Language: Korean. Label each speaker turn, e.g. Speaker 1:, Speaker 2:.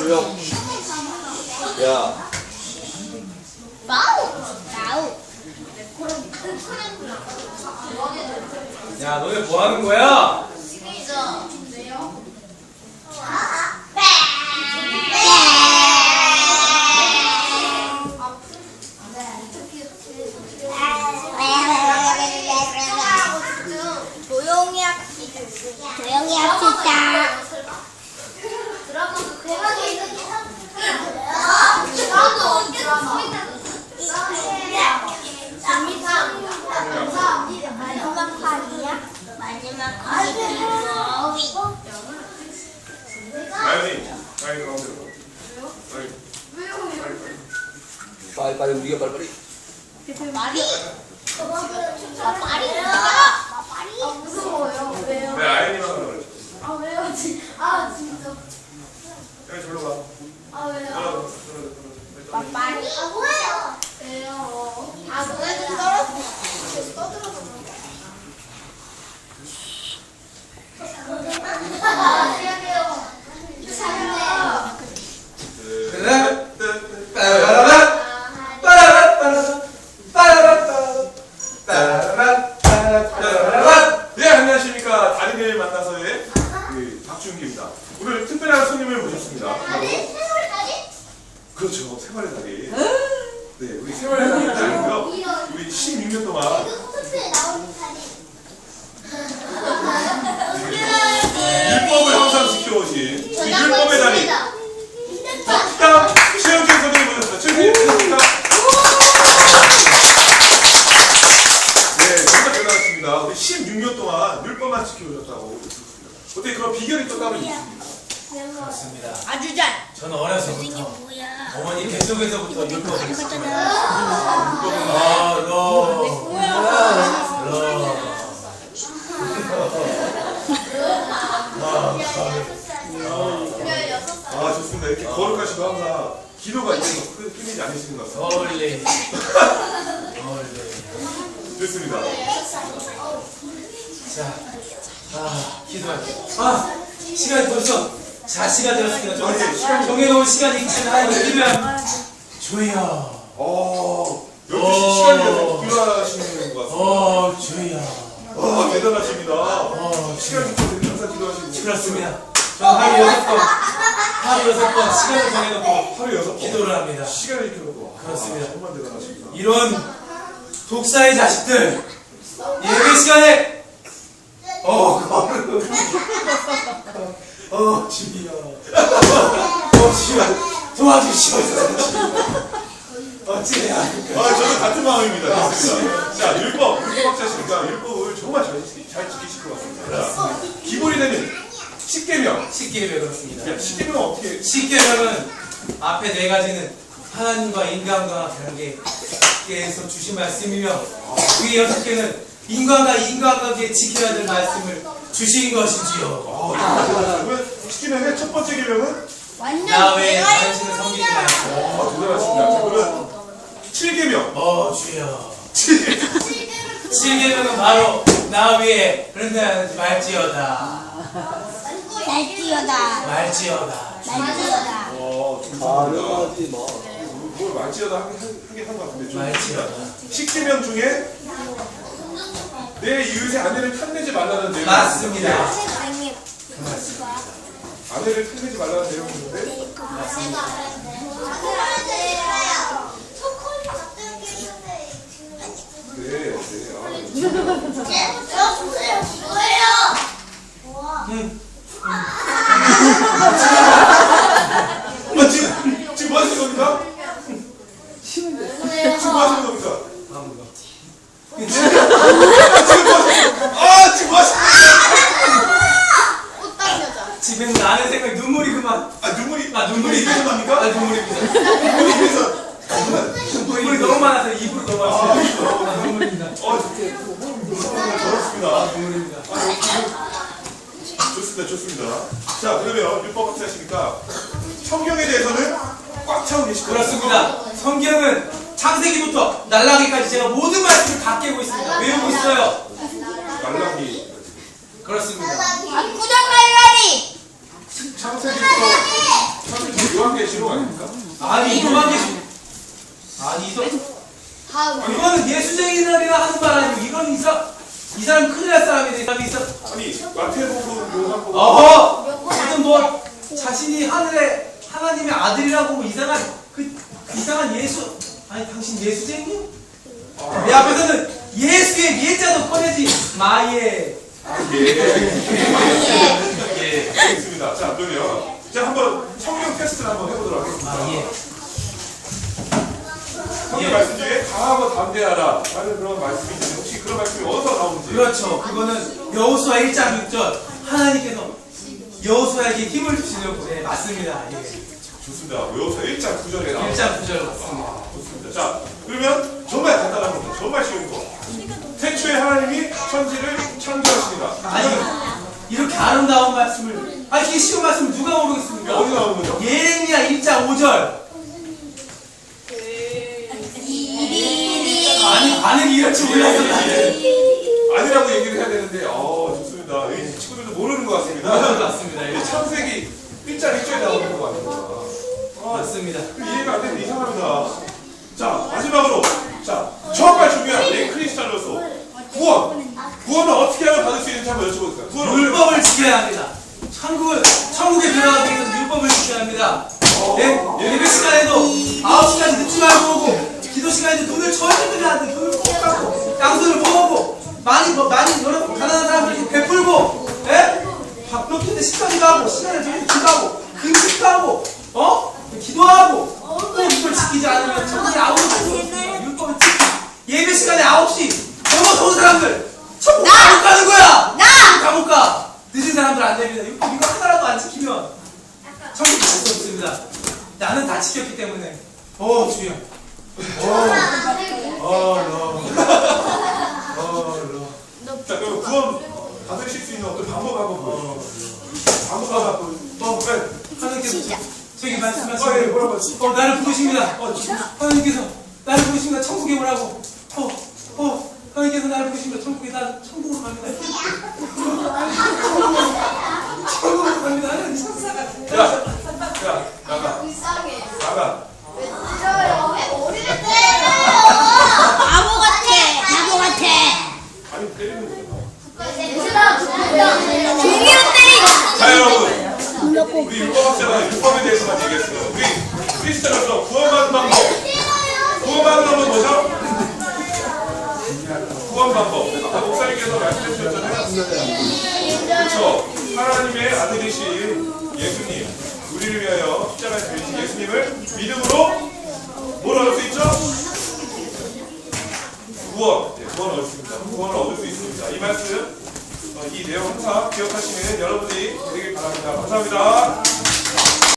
Speaker 1: 조용. 야.
Speaker 2: 마우.
Speaker 3: 야, 너네 뭐 하는 거야?
Speaker 2: 조용히 합시다. 조용히 합시다. 마지막 판이야? 마지막 판이
Speaker 4: 빨리 가운데로.
Speaker 1: 빨리 우리가 빨리.
Speaker 2: 말이?
Speaker 5: 무서워요. 왜요?
Speaker 4: 네, 아연이만 그래.
Speaker 5: 아 왜요? 진짜.
Speaker 4: 여기 절로 가.
Speaker 5: 아 왜요?
Speaker 4: 절로.
Speaker 2: 말이?
Speaker 5: 뭐예요? 왜요? 아 너네들 떠들어서 안녕하세요.
Speaker 4: 네, 안녕하십니까. 달인을 만나서의 박준기입니다. 오늘 특별한 손님을 모셨습니다. 그렇죠, 생활의 달인. 네, 우리 생활의 달인이고요. 우리 16년 동안 율법을 항상 지켜오신 그 율법의 달인 덕담 최영진 선생님 모셨습니다. 최영진 반갑습니다. 네, 정말 대단하십니다. 우리 16년 동안 율법만 지켜오셨다고 들었습니다. 어떻게 그런 비결이 또 따로 있습니까?
Speaker 3: 그렇습니다.
Speaker 2: 아주 잘.
Speaker 3: 저는 어려서부터
Speaker 2: 뭐야?
Speaker 3: 어머니 뱃속에서부터 율법을 지키고
Speaker 4: 아, 좋습니다. 이렇게 거룩하시고 항상 기도가 있어서 끊이지 않으시는 것 같습니다.
Speaker 3: 어울리.
Speaker 4: 좋습니다.
Speaker 3: 자, 기도할게요. 시간이 벌써 자시가 되었습니다.
Speaker 4: 시간이-
Speaker 3: 정해놓은 시간이 있기 때문에 하나님 기도해야 주여.
Speaker 4: 역시 시간이 돼서 기도하시는 것 같습니다.
Speaker 3: 주여.
Speaker 4: 대단하십니다. 시간이 있어서 항상 기도하시는
Speaker 3: 그렇습니다. 저는 하루 6번 시간을 정해놓고
Speaker 4: 하루 6번
Speaker 3: 기도를 합니다.
Speaker 4: 시간을 이렇게
Speaker 3: 그렇습니다.
Speaker 4: 정말 대단하십니다.
Speaker 3: 이런 독사의 자식들 예배 시간에 주여 도와주시옵소서. 어찌해야 할까?
Speaker 4: 저는 같은 마음입니다. 좋습니다. 자, 율법학자시니까 율법을 정말 잘 지키실 것 같습니다. 자, 기본이 되는 10계명.
Speaker 3: 10계명 그렇습니다.
Speaker 4: 10계명은 어떻게?
Speaker 3: 10계명은 앞에 4가지는 하나님과 인간과 관계에서 주신 말씀이며 위에 6개는 인간과 인간관계에 지켜야 될 말씀을 주신 것이지요.
Speaker 4: 그러면 10계명의 첫 번째 계명은
Speaker 3: 나 외에 당신을 섬기지 말고.
Speaker 4: 대단하십니다. 자, 그러면 7계명.
Speaker 3: 주여. 7계명은 바로 나 위에 그런데 말지어다.
Speaker 2: 날뛰어다.
Speaker 3: 말지어다.
Speaker 2: 날뛰어다.
Speaker 1: 가능하지 마.
Speaker 4: 뭘 말지어다 하긴 한 것 같은데. 좀
Speaker 3: 말지어다.
Speaker 4: 10계명 중에 내 이웃의 아내를 탐내지 말라는 내용이
Speaker 3: 맞습니다.
Speaker 4: 있는데 아내를 탐내지 말라는 내용이 있는데 지금 뭐 하시는 겁니까? 지금 뭐 하시는 겁니까? 지금 뭐 하시는
Speaker 3: 지금 나는 생각 눈물이 그만.
Speaker 4: 눈물이 입에서 납니까?
Speaker 3: 눈물입니다.
Speaker 4: 눈물이 입에서
Speaker 3: 눈물이 너무 많아서 입으로 넘어왔어요. 눈물입니다.
Speaker 4: 더럽습니다.
Speaker 3: 눈물입니다.
Speaker 4: 좋습니다. 자, 그러면 율법학자 하시니까 성경에 대해서는 꽉 차고 계실 거예요.
Speaker 3: 그렇습니다. 성경은 창세기부터 날라기까지 제가 모든 말씀을 다 깨고 있습니다. 외우고 있어요.
Speaker 4: 말라기.
Speaker 3: 그렇습니다.
Speaker 2: 압구정 갈라리.
Speaker 4: 창세기부터
Speaker 3: 가지고 이런 이 사람 큰일 날 사람이네. 이 사람이 있어.
Speaker 4: 아니 마태복음 요한복음
Speaker 3: 어허! 지금 뭐 자신이 하나님의 아들이라고 뭐 이상한 이상한 예수 아니 당신 예수쟁이요? 내 앞에서는 예수의 예자도 꺼내지 마예.
Speaker 4: 예, 알겠습니다. 자, 그러면 이제 한번 성경 테스트를 한번 해보도록 하겠습니다. 성경 말씀 중에 강하고 담대하라 라는 그런 말씀이 있는데 혹시 그런 말씀이 어디서 나오는지?
Speaker 3: 그렇죠. 그거는 여호수아 1장 6절 하나님께서 여호수아에게 힘을 주시려고 네, 맞습니다. 예.
Speaker 4: 좋습니다. 여호수아 1장 9절에 나옵니다.
Speaker 3: 1장 9절 맞습니다.
Speaker 4: 좋습니다. 자, 그러면 정말 간단한 겁니다. 정말 쉬운 거. 태초에 하나님이 천지를 창조하십니다.
Speaker 3: 아니 이렇게 아름다운 말씀을 아니 이게 쉬운 말씀을 누가 모르겠습니까?
Speaker 4: 어디 나오는 거죠?
Speaker 3: 예레미야 1장 5절 아니 반응이 이럴 줄 몰랐어.
Speaker 4: 아니라고 얘기를 해야 되는데, 좋습니다. 이 친구들도 모르는 것 같습니다.
Speaker 3: 맞습니다. 예.
Speaker 4: 창세기 1장 1절에 나오는 것 같습니다.
Speaker 3: 맞습니다.
Speaker 4: 이해가 안 되면 이상합니다. 자, 마지막으로. 자, 정말 중요한 우리 크리스찬으로서 구원. 구원을 어떻게 하면 받을 수 있는지 한번 여쭤볼까요? 구원을
Speaker 3: 율법을 지켜야 합니다. 천국에 들어가기 위해서 율법을 지켜야 합니다. 예배 시간에도 9시까지 늦지 말고 오고, 기도 시간에도 눈을 절대 뜨면 안 돼. 눈을 꼭 감고, 양손을 모으고, 많이 여러분 가난한 사람들에게 베풀고, 밥 먹는데 식사기도 하고, 시간을 정해서 기도하고, 금식도 하고, 기도하고, 또 이걸 지키지 않으면 천국에 아무도 갈 수 없습니다. 율법을 지키고, 예배 시간에 9시, 넘어서 온 사람들, 천국 감옥 가는 거야! 감옥 가! 늦은 사람들 안 됩니다. 율법 이거 하나라도 안 지키면 천국 갈 수 없습니다. 나는 다 지켰기 때문에. 주여.
Speaker 4: 자, 그럼 구원 받으실 수 있는 어떤 방법 한번 보여주세요. 방법
Speaker 3: 하나님께서 저기 말씀하시고
Speaker 4: 뭐라고 하시죠?
Speaker 3: 나를 부르십니다. 하나님께서 나를 부르십니다. 천국에 오라고. 하나님께서 나를 부르십니다. 천국으로 갑니다. 천국으로 갑니다. 하나님 천사가.
Speaker 4: 야, 나가.
Speaker 5: 불쌍해.
Speaker 4: 나가.
Speaker 5: 왜 찔러요? 왜 머리를
Speaker 2: 바보 같아.
Speaker 4: 아니, 때리는 거야.
Speaker 2: 종이로 때리.
Speaker 4: 자, 여러분. 우리 율법학자가 율법에 대해서만 얘기했어요. 우리 크리스찬으로서 구원받는 방법. 구원받는 방법은 뭐죠? 구원 방법. 아까 목사님께서 말씀해 주셨잖아요. 그렇죠. 하나님의 아들이신 예수님, 우리를 위하여 십자가에 달리신 예수님을 믿음으로 뭘 얻을 수 있죠? 구원을 얻습니다. 구원을 얻을 수 있습니다. 이 말씀, 이 내용 항상 기억하시는 여러분들이 되길 바랍니다. 감사합니다.